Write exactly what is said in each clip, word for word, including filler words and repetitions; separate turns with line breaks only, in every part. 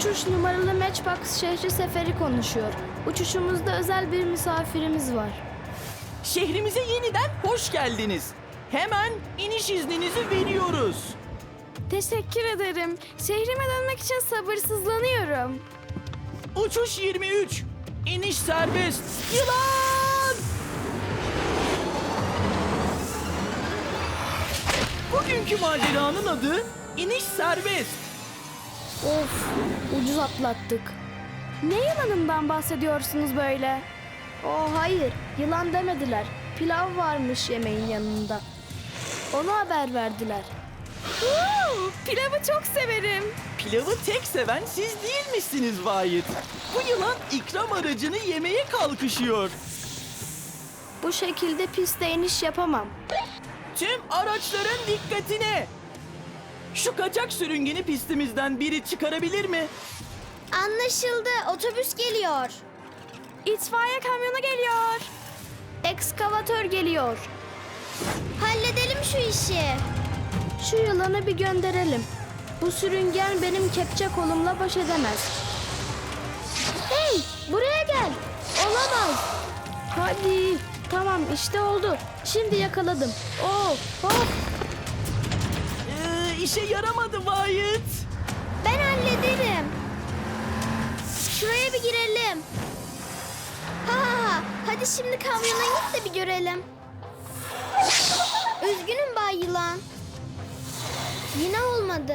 Uçuş numaralı Matchbox şehri seferi konuşuyor. Uçuşumuzda özel bir misafirimiz var.
Şehrimize yeniden hoş geldiniz. Hemen iniş izninizi veriyoruz.
Teşekkür ederim. Şehrime dönmek için sabırsızlanıyorum.
Uçuş yirmi üç. İniş serbest. Yılan! Bugünkü maceranın adı iniş serbest.
Of, ucuz atlattık. Ne yılanından bahsediyorsunuz böyle? Oh hayır, yılan demediler. Pilav varmış yemeğin yanında. Onu haber verdiler. Uuu, pilavı çok severim.
Pilavı tek seven siz değilmişsiniz Vahit. Bu yılan ikram aracını yemeye kalkışıyor.
Bu şekilde piste iniş yapamam.
Tüm araçların dikkatine. Şu kaçak sürüngeni pistimizden biri çıkarabilir mi?
Anlaşıldı. Otobüs geliyor.
İtfaiye kamyonu geliyor. Ekskavatör geliyor.
Halledelim şu işi.
Şu yılanı bir gönderelim. Bu sürüngen benim kepçe kolumla baş edemez. Hey, buraya gel. Olamaz. Hadi. Tamam, işte oldu. Şimdi yakaladım. Oh, oh.
Ee, işe yaramadı Vahit.
Ben hallederim. Şuraya bir girelim. Ha ha ha. Hadi şimdi kamyona git de bir görelim. Üzgünüm Bay Yılan. Yine olmadı.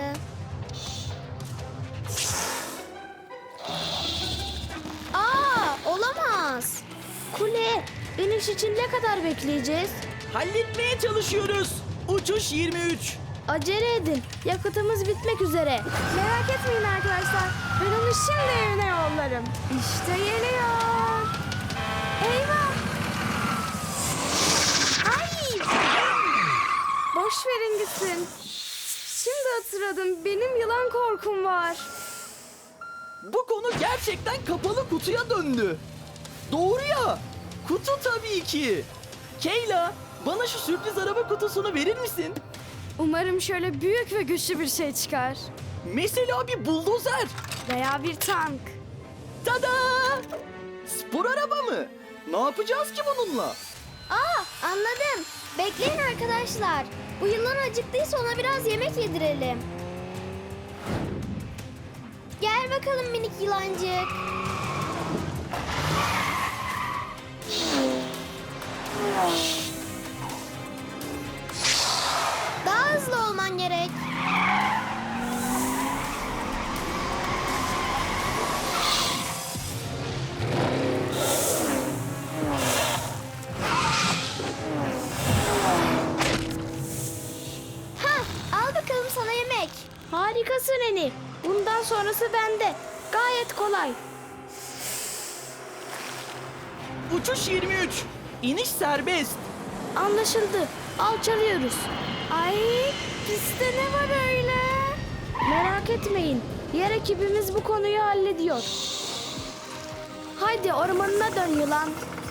Aa, olamaz.
Kule, iniş için ne kadar bekleyeceğiz?
Halletmeye çalışıyoruz. Uçuş yirmi üç.
Acele edin. Yakıtımız bitmek üzere. Merak etmeyin arkadaşlar. Ben onu şimdi evine yollarım. İşte geliyor. Eyvah. Ay. Boş verin gitsin. Şimdi hatırladım. Benim yılan korkum var.
Bu konu gerçekten kapalı kutuya döndü. Doğru ya. Kutu tabii ki. Kayla, bana şu sürpriz araba kutusunu verir misin?
Umarım şöyle büyük ve güçlü bir şey çıkar.
Mesela bir buldozer.
Veya bir tank.
Tada! Spor araba mı? Ne yapacağız ki bununla?
Aa, anladım. Bekleyin arkadaşlar. Bu yılan acıktıysa ona biraz yemek yedirelim. Gel bakalım minik yılancık. Daha hızlı olman gerek. Hah, al bakalım sana yemek.
Harikasın Eni. Bundan sonrası bende. Gayet kolay.
Uçuş yirmi üç. İniş serbest.
Anlaşıldı. Alçalıyoruz. Ay, pistte ne var öyle? Merak etmeyin. Yer ekibimiz bu konuyu hallediyor. Haydi ormanına dön yılan.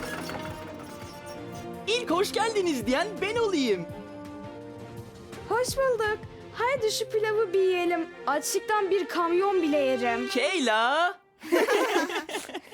İlk hoş geldiniz diyen ben olayım.
Hoş bulduk. Haydi şu pilavı bir yiyelim. Açlıktan bir kamyon bile yerim.
Kayla.